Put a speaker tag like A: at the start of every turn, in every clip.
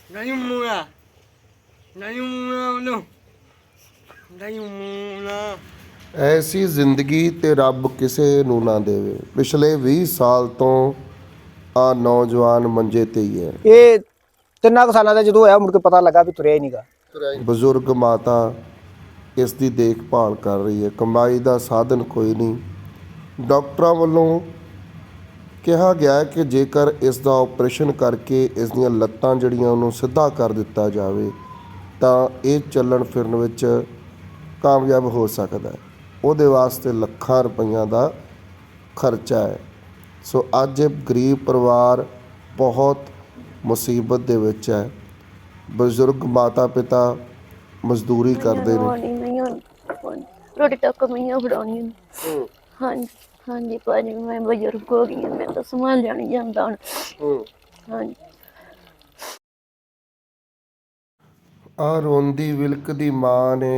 A: ਨਹੀਂ ਮੂਣਾ ਨਹੀਂ ਮੂਣਾ ਉਹਨੂੰ ਨਹੀਂ ਮੂਣਾ।
B: ਐਸੀ ਜ਼ਿੰਦਗੀ ਤੇ ਰੱਬ ਕਿਸੇ ਨੂੰ ਨਾ ਦੇਵੇ। ਪਿਛਲੇ 20 ਸਾਲ ਤੋਂ ਆ ਨੌਜਵਾਨ ਮੰਜੇ ਤੇ ਹੀ ਹੈ।
C: ਇਹ 3 ਸਾਲਾਂ ਦਾ ਜਦੋਂ ਹੋਇਆ ਮੁੜ ਕੇ ਪਤਾ ਲੱਗਾ ਵੀ ਤੁਰਿਆ ਹੀ ਨਹੀਂਗਾ।
B: ਬਜ਼ੁਰਗ ਮਾਤਾ ਇਸ ਦੀ ਦੇਖਭਾਲ ਕਰ ਰਹੀ ਹੈ। ਕਮਾਈ ਦਾ ਸਾਧਨ ਕੋਈ ਨਹੀਂ। ਡਾਕਟਰਾਂ ਵੱਲੋਂ ਕਿਹਾ ਗਿਆ ਹੈ ਕਿ ਜੇਕਰ ਇਸ ਦਾ ਆਪਰੇਸ਼ਨ ਕਰਕੇ ਇਸ ਦੀਆਂ ਲੱਤਾਂ ਜਿਹੜੀਆਂ ਉਹਨੂੰ ਸਿੱਧਾ ਕਰ ਦਿੱਤਾ ਜਾਵੇ ਤਾਂ ਇਹ ਚੱਲਣ ਫਿਰਨ ਵਿੱਚ ਕਾਮਯਾਬ ਹੋ ਸਕਦਾ ਹੈ। ਉਹਦੇ ਵਾਸਤੇ ਲੱਖਾਂ ਰੁਪਈਆਂ ਦਾ ਖਰਚਾ ਹੈ। ਸੋ ਅੱਜ ਇਹ ਗਰੀਬ ਪਰਿਵਾਰ ਬਹੁਤ ਮੁਸੀਬਤ ਦੇ ਵਿੱਚ ਹੈ। ਬਜ਼ੁਰਗ ਮਾਤਾ ਪਿਤਾ ਮਜ਼ਦੂਰੀ ਕਰਦੇ ਨੇ।
D: ਰੋਟੀ ਤੱਕ ਮੈਂ ਫੜਾਉਣੀ ਹਾਂਜੀ ਹਾਂਜੀ ਭਾਜੀ ਮੈਂ ਬਜ਼ੁਰਗ ਹੋ ਗਈ ਹਾਂ, ਮੈਂ ਤਾਂ ਸੰਭਾਲਿਆ ਨਹੀਂ ਜਾਂਦਾ ਹੁਣ। ਹਾਂਜੀ
B: ਆ ਰੋਂਦੀ ਵਿਲਕਦੀ ਮਾਂ ਨੇ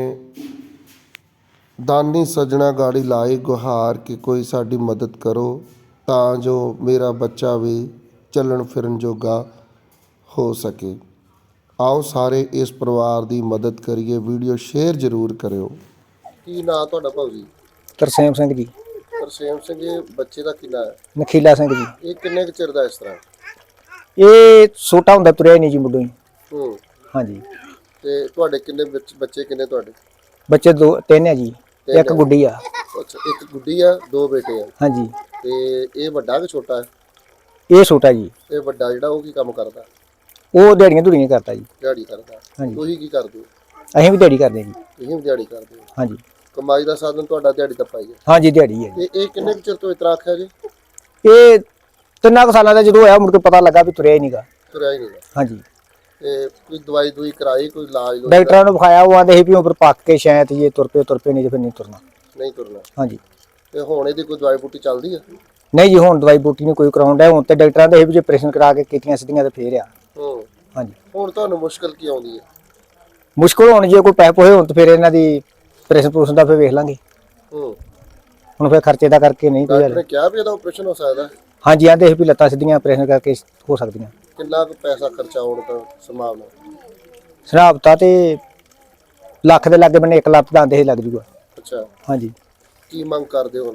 B: ਦਾਨੀ ਸੱਜਣਾ ਗਾੜੀ ਲਾਈ ਗੁਹਾਰ ਕਿ ਕੋਈ ਸਾਡੀ ਮਦਦ ਕਰੋ ਤਾਂ ਜੋ ਮੇਰਾ ਬੱਚਾ ਵੀ ਚੱਲਣ ਫਿਰਨ ਜੋਗਾ ਹੋ ਸਕੇ। ਆਓ ਸਾਰੇ ਇਸ ਪਰਿਵਾਰ ਦੀ ਮਦਦ ਕਰੀਏ। ਵੀਡੀਓ ਸ਼ੇਅਰ ਜ਼ਰੂਰ ਕਰਿਓ। ਕੀ ਨਾਂ ਤੁਹਾਡਾ ਭਾਊ ਜੀ?
C: ਤਰਸੇਮ ਸਿੰਘ ਜੀ।
B: ਤਰਸੇਮ ਸਿੰਘ। ਇਹ ਬੱਚੇ ਦਾ ਕੀ ਨਾਂ ਹੈ?
C: ਨਖੀਲਾ ਸਿੰਘ ਜੀ।
B: ਇਹ ਕਿੰਨੇ ਕੁ ਚਿਰ ਦਾ ਇਸ ਤਰ੍ਹਾਂ?
C: ਇਹ ਛੋਟਾ ਹੁੰਦਾ ਤੁਰਿਆ ਹੀ ਨਹੀਂ ਜੀ ਮੁੱਢੋਂ ਹੀ। ਹਾਂਜੀ।
B: ਤੇ ਤੁਹਾਡੇ ਕਿੰਨੇ ਬੱਚੇ ਕਿੰਨੇ ਤੁਹਾਡੇ?
C: ਬੱਚੇ 3 ਹੈ ਜੀ। ਇੱਕ ਗੁੱਡੀ ਆ।
B: ਅੱਛਾ, ਇੱਕ ਗੁੱਡੀ ਆ, 2 ਬੇਟੇ ਆ।
C: ਹਾਂਜੀ।
B: ਤੇ ਇਹ ਵੱਡਾ ਕਿ ਛੋਟਾ ਹੈ?
C: ਇਹ ਛੋਟਾ ਜੀ।
B: ਇਹ ਵੱਡਾ ਜਿਹੜਾ ਉਹ ਕੀ ਕੰਮ ਕਰਦਾ?
C: ਉਹ ਦਿਹਾੜੀਆਂ ਧੁੜੀਆਂ ਕਰਦਾ ਜੀ।
B: ਦਿਹਾੜੀ ਕਰਦਾ।
C: ਹਾਂਜੀ।
B: ਤੁਸੀਂ ਕੀ ਕਰਦੇ ਹੋ?
C: ਅਸੀਂ ਵੀ ਦਿਹਾੜੀ ਕਰਦੇ ਜੀ।
B: ਤੁਸੀਂ ਵੀ ਦਿਹਾੜੀ ਕਰਦੇ ਹੋ?
C: ਹਾਂਜੀ।
B: ਕਮਾਈ ਦਾ ਸਾਧਨ ਤੁਹਾਡਾ ਦਿਹਾੜੀ ਦਾ ਪਾਈ ਹੈ?
C: ਹਾਂਜੀ ਦਿਹਾੜੀ ਹੈ ਜੀ।
B: ਤੇ ਇਹ ਕਿੰਨੇ ਕੁ ਚਿਰ ਤੋਂ ਇਸ ਤਰ੍ਹਾਂ ਆਖਿਆ ਜੀ?
C: ਇਹ 3 ਸਾਲਾਂ ਦਾ ਜਦੋਂ ਹੋਇਆ ਮੁੜ ਕੇ ਪਤਾ ਲੱਗਾ ਵੀ ਤੁਰਿਆ ਹੀ ਨਹੀਂਗਾ।
B: ਤੁਰਿਆ ਹੀ ਨਹੀਂ।
C: ਹਾਂਜੀ।
B: ਤੇ ਕੋਈ ਦਵਾਈ ਦੂਈ ਕਰਾਈ, ਕੋਈ ਇਲਾਜ
C: ਡਾਕਟਰਾਂ ਨੂੰ ਵਿਖਾਇਆ, ਉਹ ਆਂਦੇ ਸੀ ਵੀ ਉੱਪਰ ਪੱਕ ਕੇ ਸ਼ਾਇਦ ਇਹ ਤੁਰ ਪਏ ਨਹੀਂ ਤੇ ਫਿਰ ਨਹੀਂ ਤੁਰਨਾ।
B: ਨਹੀਂ ਤੁਰਨਾ।
C: ਹਾਂਜੀ।
B: ਤੇ ਹੁਣ ਇਹਦੀ ਕੋਈ ਦਵਾਈ ਬੂਟੀ ਚੱਲਦੀ ਹੈ?
C: ਨਹੀਂ ਜੀ ਹੁਣ ਦਵਾਈ ਬੂਟੀ ਨਹੀਂ ਕੋਈ ਕਰਾਉਣ ਡਿਆ। ਹੁਣ ਤੇ ਡਾਕਟਰਾਂ ਦੇ ਇਹ ਵੀ ਜੇ ਆਪਰੇਸ਼ਨ ਕਰਾ ਕੇ ਕੀਤੀਆਂ ਸਿੱਧੀਆਂ ਤੇ ਫੇਰ ਆ। ਹਾਂਜੀ।
B: ਹੁਣ ਤੁਹਾਨੂੰ ਮੁਸ਼ਕਲ ਕੀ ਆਉਂਦੀ ਹੈ?
C: ਮੁਸ਼ਕਲ ਹੁਣ ਜੇ ਕੋਈ ਪੈਸੇ ਹੋਏ ਹੁਣ ਤੇ ਫਿਰ ਇਹਨਾਂ ਦੀ ਆਪਰੇਸ਼ਨ ਦਾ ਫਿਰ ਵੇਖ ਲਾਂਗੇ। ਹੁਣ ਫਿਰ ਖਰਚੇ ਦਾ ਕਰਕੇ ਨਹੀਂ ਕੋਈ
B: ਡਾਕਟਰ ਨੇ ਕਿਹਾ ਵੀ ਇਹਦਾ ਆਪਰੇਸ਼ਨ ਹੋ ਸਕਦਾ?
C: ਹਾਂਜੀ ਆਂਦੇ ਸੀ ਵੀ ਲੱਤਾਂ ਸਿੱਧੀਆਂ ਆਪਰੇਸ਼ਨ ਕਰਕੇ ਹੋ ਸਕਦੀਆਂ।
B: ਕਿੰਨਾ ਕੁ ਪੈਸਾ ਖਰਚਾ ਹੋਣ ਦਾ ਸੰਭਾਵਨਾ?
C: ਸਰਾਬਤਾ ਤੇ ਲੱਖ ਦੇ ਲਾਗੇ ਬੰਨੇ 1 ਲੱਖ ਦਾ ਆਂਦੇ ਸੀ ਲੱਗ ਜੂਗਾ।
B: ਅੱਛਾ।
C: ਹਾਂਜੀ।
B: ਕੀ ਮੰਗ ਕਰਦੇ ਹੋ?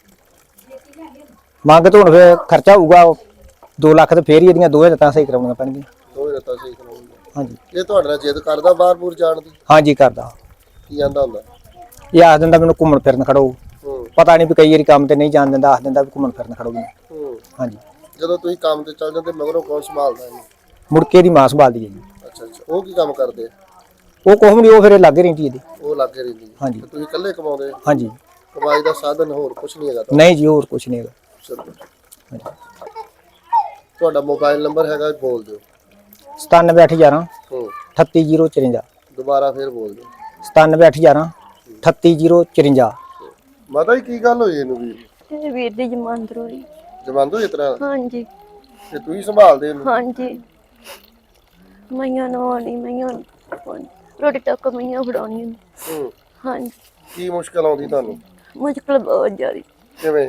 C: ਮੰਗ ਤਾਂ ਹੁਣ ਫਿਰ ਖਰਚਾ ਹੋਊਗਾ 2 ਲੱਖ ਤੇ ਫੇਰ ਹੀ ਇਹਦੀਆਂ 2 ਲੱਤਾਂ ਸਹੀ ਕਰਾਉਣੀਆਂ ਪੈਣਗੀਆਂ।
B: 2 ਲੱਤਾਂ ਸਹੀ ਕਰਾਉਣੀਆਂ।
C: ਹਾਂਜੀ।
B: ਇਹ ਤੁਹਾਡੇ ਨਾਲ ਜਿੱਦ ਕਰਦਾ ਬਾਹਰ-ਬੂਰ ਜਾਣ ਦੀ?
C: ਹਾਂਜੀ ਕਰਦਾ।
B: ਕੀ ਆਂਦਾ ਹੁੰਦਾ?
C: ਇਹ ਆਖ ਦਿੰਦਾ ਮੈਨੂੰ ਘੁੰਮਣ ਫਿਰਨ ਖੜੋ। ਪਤਾ ਨਹੀਂ ਵੀ ਕਈ ਵਾਰੀ ਕੰਮ ਤੇ ਨਹੀਂ ਜਾਣ ਦਿੰਦਾ, ਆਖ ਦਿੰਦਾ ਵੀ ਘੁੰਮਣ ਫਿਰਨ ਖੜੋ ਮੈਨੂੰ। ਹਾਂਜੀ।
B: ਜਦੋਂ ਤੁਸੀਂ ਕੰਮ ਤੇ ਚੱਲ ਜਾਂਦੇ ਮਗਰੋਂ ਕੌਣ ਸੰਭਾਲਦਾ ਇਹਨੂੰ?
C: ਮੁੜ ਕੇ ਦੀ ਮਾਂ ਸੰਭਾਲਦੀ ਹੈ ਜੀ।
B: ਅੱਛਾ ਅੱਛਾ। ਉਹ ਕੀ ਕੰਮ ਕਰਦੇ?
C: ਉਹ ਕੁਛ ਨਹੀਂ, ਉਹ ਫਿਰ ਲੱਗੇ ਰਹਿੰਦੀ ਇਹਦੀ।
B: ਉਹ ਲੱਗੇ ਰਹਿੰਦੀ?
C: ਹਾਂਜੀ।
B: ਤੁਸੀਂ ਇਕੱਲੇ ਕਮਾਉਂਦੇ?
C: ਹਾਂਜੀ।
B: ਕਮਾਈ ਦਾ ਸਾਧਨ ਹੋਰ ਕੁਝ ਨਹੀਂ ਹੈਗਾ?
C: ਨਹੀਂ ਜੀ ਹੋਰ ਕੁਛ ਨਹੀਂ ਹੈਗਾ।
B: ਚਲੋ। ਤੁਹਾਡਾ ਮੋਬਾਈਲ ਨੰਬਰ ਹੈਗਾ, ਬੋਲ ਦਿਓ।
C: 97811 38054।
B: ਦੁਬਾਰਾ ਫੇਰ ਬੋਲ ਦਿਓ।
C: 97811 38054।
B: ਮਾਤਾ ਜੀ ਕੀ ਗੱਲ ਹੋਈ ਇਹਨੂੰ?
D: ਇਹ ਵੀਰ ਦੀ ਜਮਾਨਤ ਹੋਈ।
B: ਜਮਾਨਤ ਹੋਈ ਇਸ ਤਰ੍ਹਾਂ?
D: ਹਾਂਜੀ।
B: ਤੇ ਤੁਸੀਂ ਸੰਭਾਲਦੇ ਇਹਨੂੰ?
D: ਹਾਂਜੀ। ਮਈਆਂ ਨਵਾਉਣੀ, ਮਈਆਂ ਰੋਟੀ ਤੱਕ ਮਈਆਂ ਫੜਾਉਣੀ। ਹਾਂਜੀ।
B: ਕੀ ਮੁਸ਼ਕਲ ਆਉਂਦੀ ਤੁਹਾਨੂੰ?
D: ਮੁਸ਼ਕਲ ਬਹੁਤ ਜ਼ਿਆਦਾ।
B: ਕਿਵੇਂ?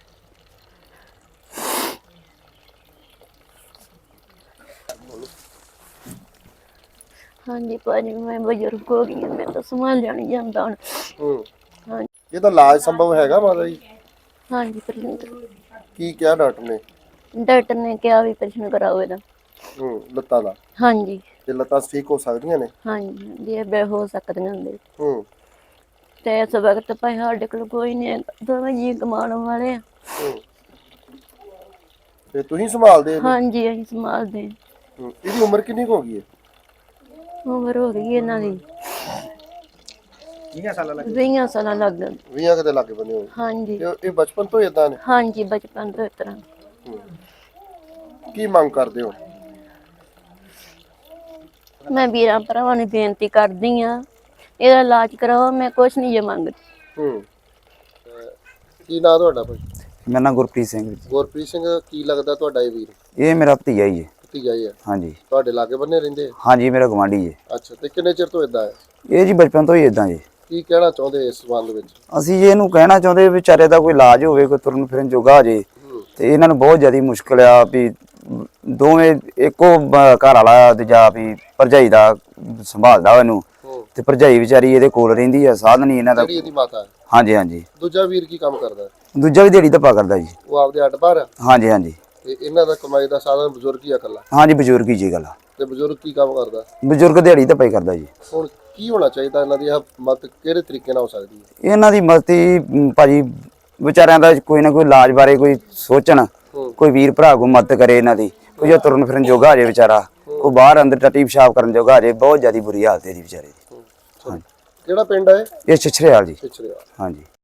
D: ਹਾਂਜੀ ਭਾਜੀ ਮੈਂ ਬਜ਼ੁਰਗ ਹੋ ਗਈ ਹਾਂ, ਮੈਂ ਤਾਂ ਸੰਭਾਲਿਆ ਨਹੀਂ ਜਾਂਦਾ ਹੁਣ। ਹਾਂਜੀ।
B: ਇਹਦਾ ਇਲਾਜ ਸੰਭਵ ਹੈਗਾ ਮਾਤਾ ਜੀ?
D: ਹਾਂਜੀ ਪ੍ਰਸ਼ਨ
B: ਕੀ ਕਿਹਾ ਡਾਕਟਰ ਨੇ?
D: ਡਾਕਟਰ ਨੇ ਕਿਹਾ ਵੀ ਪ੍ਰਸ਼ਨ ਕਰਾਓ ਇਹਦਾ।
B: ਲੱਤਾਂ ਦਾ?
D: ਹਾਂਜੀ।
B: ਤੇ ਲੱਤਾਂ ਠੀਕ ਹੋ ਸਕਦੀਆਂ ਨੇ?
D: ਹਾਂਜੀ ਜੇ ਬੇ ਹੋ ਸਕਦੀਆਂ ਹੁੰਦੇ। ਤੇ ਇਸ ਵਕਤ ਭਾਈ ਸਾਡੇ ਕੋਲ ਕੋਈ ਨਹੀਂ, ਦੋਵੇਂ ਜੀ ਕਮਾਉਣ ਵਾਲੇ ਆ।
B: ਤੇ ਤੁਸੀਂ ਸੰਭਾਲਦੇ?
D: ਹਾਂਜੀ ਅਸੀਂ ਸੰਭਾਲਦੇ।
B: ਇਹਦੀ ਉਮਰ ਕਿੰਨੀ ਹੋ ਗਈ ਹੈ?
D: ਉਮਰ ਹੋ ਗਈ ਇਹਨਾਂ ਦੀ
C: 20 ਸਾਲਾਂ ਲੱਗ
D: 20 ਸਾਲਾਂ ਲੱਗ ਗਏ।
B: 20 ਕਦੇ ਲੱਗੇ ਬੰਦੇ ਹੋ?
D: ਹਾਂਜੀ।
B: ਇਹ ਬਚਪਨ ਤੋਂ ਇਦਾਂ ਨੇ?
D: ਹਾਂਜੀ ਬਚਪਨ ਤੋਂ ਇਸ ਤਰ੍ਹਾਂ।
B: ਕੀ ਮੰਗ ਕਰਦੇ ਹੋ?
D: ਮੈਂ ਵੀਰਾਂ ਭਰਾਵਾਂ ਨੂੰ ਬੇਨਤੀ ਕਰਦੀ ਆ ਇਹਦਾ ਇਲਾਜ ਕਰਾਓ, ਮੈਂ ਕੁਛ ਨਹੀਂ ਜੇ ਮੰਗਦੀ।
B: ਕੀ ਨਾਂ ਤੁਹਾਡਾ ਭਾਈ?
E: ਮੇਰਾ ਨਾਮ ਗੁਰਪ੍ਰੀਤ ਸਿੰਘ ਜੀ।
B: ਗੁਰਪ੍ਰੀਤ ਸਿੰਘ। ਕੀ ਲੱਗਦਾ ਤੁਹਾਡਾ ਇਹ ਵੀਰ?
E: ਇਹ ਮੇਰਾ ਭਤੀਜਾ ਹੀ ਹੈ।
B: ਭਤੀਜਾ ਹੀ ਹੈ?
E: ਹਾਂਜੀ।
B: ਤੁਹਾਡੇ ਲਾਗੇ ਬੰਨੇ ਰਹਿੰਦੇ?
E: ਹਾਂਜੀ ਮੇਰਾ ਗਵਾਂਢੀ ਹੈ।
B: ਅੱਛਾ। ਤੇ ਕਿੰਨੇ ਚਿਰ ਤੋਂ ਇਦਾਂ ਹੈ?
E: ਇਹ ਜੀ ਬਚਪਨ ਤੋਂ ਹੀ ਇਦਾਂ ਜੀ।
B: ਕੀ ਕਹਿਣਾ ਚਾਹੁੰਦੇ ਇਸ ਸੰਬੰਧ ਵਿੱਚ?
E: ਅਸੀਂ ਜੀ ਇਹਨੂੰ ਕਹਿਣਾ ਚਾਹੁੰਦੇ ਵਿਚਾਰੇ ਦਾ ਕੋਈ ਇਲਾਜ ਹੋਵੇ, ਕੋਈ ਤੁਰਨ ਫਿਰਨ ਜੋਗਾ ਹੋ ਜੇ ਤੇ ਇਹਨਾਂ ਨੂੰ ਬਹੁਤ ਜ਼ਿਆਦਾ ਮੁਸ਼ਕਲ ਆ ਵੀ ਦੋਵੇਂ ਇੱਕੋ ਘਰ ਵਾਲਾ ਤੇ ਜਾਂ ਵੀ ਭਰਜਾਈ ਦਾ ਸੰਭਾਲਦਾ ਇਹਨੂੰ, ਤੇ ਭਰਜਾਈ ਵਿਚਾਰੀ ਇਹਦੇ ਕੋਲ ਰਹਿੰਦੀ ਆ, ਸਾਧਨ ਨਹੀਂ ਇਹਨਾਂ ਦਾ।
B: ਜਿਹੜੀ ਇਹਦੀ ਮਾਤਾ ਹੈ।
E: ਹਾਂਜੀ ਹਾਂਜੀ।
B: ਦੂਜਾ ਵੀਰ ਕੀ ਕੰਮ ਕਰਦਾ ਹੈ?
E: ਦੂਜਾ ਵੀ ਦਿਹਾੜੀ ਧੱਪਾ ਕਰਦਾ ਜੀ।
B: ਉਹ ਆਪਦੇ ਅੱਡ ਬਾਹਰ ਆ
E: ਹਾਂਜੀ ਹਾਂਜੀ।
B: ਤੇ ਇਹਨਾਂ ਦਾ ਕਮਾਈ ਦਾ ਸਾਧਨ ਬਜ਼ੁਰਗ ਹੀ ਆ ਇਕੱਲਾ?
E: ਹਾਂਜੀ ਬਜ਼ੁਰਗ ਹੀ ਜੀ ਗੱਲ ਆ।
B: ਤੇ ਬਜ਼ੁਰਗ ਕੀ ਕੰਮ ਕਰਦਾ?
E: ਬਜ਼ੁਰਗ ਦਿਹਾੜੀ ਧੱਪਾ ਹੀ ਕਰਦਾ ਜੀ।
B: ਹੁਣ ਕੀ ਹੋਣਾ ਚਾਹੀਦਾ ਇਹਨਾਂ ਦੀ? ਮਦਦ ਕਿਹੜੇ ਤਰੀਕੇ ਨਾਲ ਹੋ ਸਕਦੀ ਹੈ?
E: ਇਹਨਾਂ ਦੀ ਮਦਦ ਭਾਜੀ ਵਿਚਾਰਿਆਂ ਦਾ ਕੋਈ ਨਾ ਕੋਈ ਇਲਾਜ ਬਾਰੇ ਕੋਈ ਸੋਚਣ, ਕੋਈ ਵੀਰ ਭਰਾ ਕੋ ਮਦਦ ਕਰੇ ਇਹਨਾਂ ਦੀ। ਕੋਈ ਜੋ ਤੁਰਨ ਫਿਰਨ ਜੋਗਾ ਹੋ ਜੇ ਵਿਚਾਰਾ, ਕੋਈ ਬਾਹਰ ਅੰਦਰ ਟੱਟੀ ਪਿਸ਼ਾਬ ਕਰਨ ਜੋਗਾ ਹੋ ਜੇ। ਬਹੁਤ ਜ਼ਿਆਦਾ ਬੁਰੀ ਹਾਲਤ ਹੈ ਇਹਦੀ ਵਿਚਾਰੇ ਦੀ।
B: ਕਿਹੜਾ ਪਿੰਡ ਹੈ?
E: ਇਹ ਛਿਛਰੇਵਾਲ ਜੀ।
B: ਪਿਛੜਿਆ।
E: ਹਾਂਜੀ।